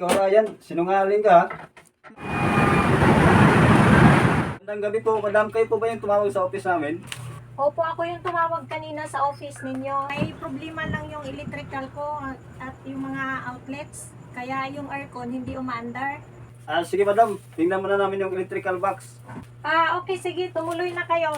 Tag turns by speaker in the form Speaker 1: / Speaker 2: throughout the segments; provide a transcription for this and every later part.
Speaker 1: Ikaw, Ryan, sinungaling ka, ha? Magandang gabi po, madam. Kayo po ba yung tumawag sa office namin?
Speaker 2: Opo, ako yung tumawag kanina sa office ninyo. May problema lang yung electrical ko at yung mga outlets. Kaya yung aircon hindi umaandar.
Speaker 1: Sige, madam. Tingnan muna namin yung electrical box.
Speaker 2: Okay, sige, tumuloy na kayo.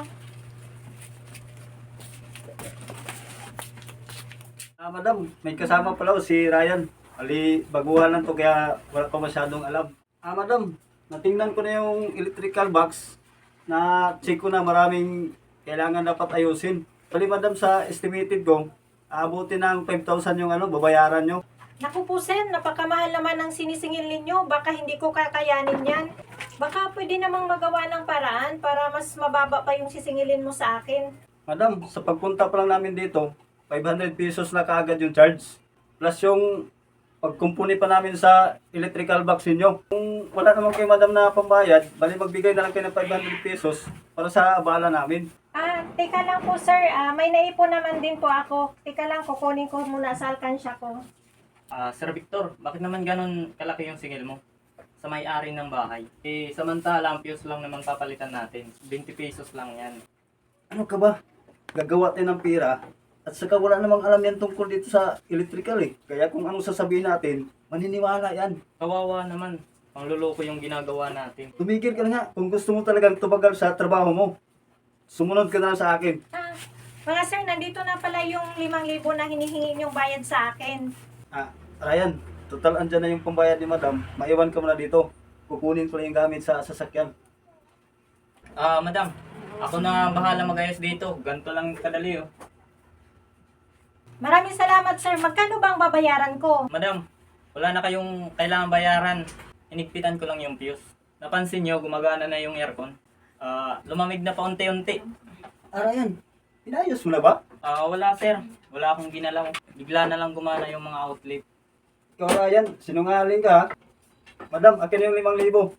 Speaker 1: Madam, may kasama pala si Ryan. Ali, baguhan lang to kaya wala pa masyadong alam. Madam, natingnan ko na yung electrical box. Na-check ko na maraming kailangan dapat ayusin. Bali, madam, sa estimated ko, aabutin ng 5,000 yung babayaran nyo.
Speaker 2: Naku po sir, napakamahal naman ang sinisingil ninyo. Baka hindi ko kakayanin yan. Baka pwede namang magawa ng paraan para mas mababa pa yung sisingilin mo sa akin.
Speaker 1: Madam, sa pagpunta pa lang namin dito, 500 pesos na kaagad yung charge. Plus yung pagkumpuni pa namin sa electrical box ninyo. Kung wala naman kayo, madam, na pambayad, bali magbigay na lang kayo ng 500 pesos para sa abala namin.
Speaker 2: Teka lang po sir, may naipon naman din po ako. Teka lang, kukunin ko muna sa alkansya ko.
Speaker 3: Sir Victor, bakit naman ganun kalaki yung singil mo? Sa may-ari ng bahay. Samantala, ang fuse lang naman papalitan natin. 20 pesos lang yan.
Speaker 1: Ano ka ba? Gagawa tayo ng pira at saka wala namang alam yan tungkol dito sa electrical eh. Kaya kung anong sasabihin natin, maniniwala yan.
Speaker 3: Kawawa naman. Pangluloko yung ginagawa natin.
Speaker 1: Tumigil ka na nga kung gusto mo talagang tumagal sa trabaho mo. Sumunod ka na lang sa akin.
Speaker 2: Mga sir, nandito na pala yung 5,000 na hinihingi yung bayad sa akin.
Speaker 1: Ryan, total andyan na yung pambayad ni madam. Maiwan ka muna dito. Kukunin ko lang yung gamit sa sasakyan.
Speaker 3: Madam, ako na bahala mag-ayos dito. Ganito lang kadali oh.
Speaker 2: Maraming salamat sir. Magkano bang babayaran ko?
Speaker 3: Madam, wala na kayong kailangan bayaran. Inigpitan ko lang yung fuse. Napansin nyo, gumagana na yung aircon. Lumamig na pa unti-unti.
Speaker 1: Ryan, inayos mo na ba?
Speaker 3: Wala sir. Wala akong ginalaw. Bigla na lang gumana yung mga outlet.
Speaker 1: Ikaw, Ryan, sinungaling ka, ha? Madam, akin yung 5,000.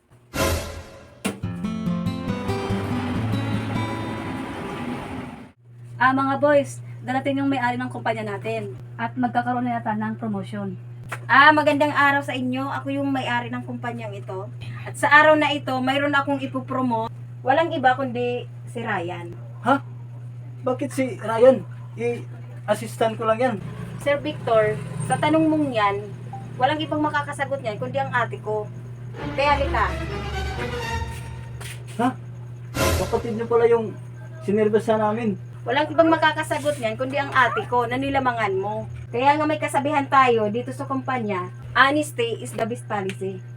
Speaker 4: Mga boys, darating yung may-ari ng kumpanya natin at magkakaroon na yata ng promotion.
Speaker 2: Magandang araw sa inyo. Ako yung may-ari ng kumpanyang ito. At sa araw na ito, mayroon akong ipopromote. Walang iba kundi si Ryan.
Speaker 1: Ha? Bakit si Ryan? I-assistant ko lang yan.
Speaker 2: Sir Victor, sa tanong mong yan, walang ibang makakasagot niyan kundi ang ate ko. Kaya halika.
Speaker 1: Ha? Kapatid niyo pala yung sinervesa namin.
Speaker 2: Walang ibang makakasagot niyan kundi ang ate ko na nilamangan mo. Kaya nga may kasabihan tayo dito sa kumpanya, honesty is the best policy.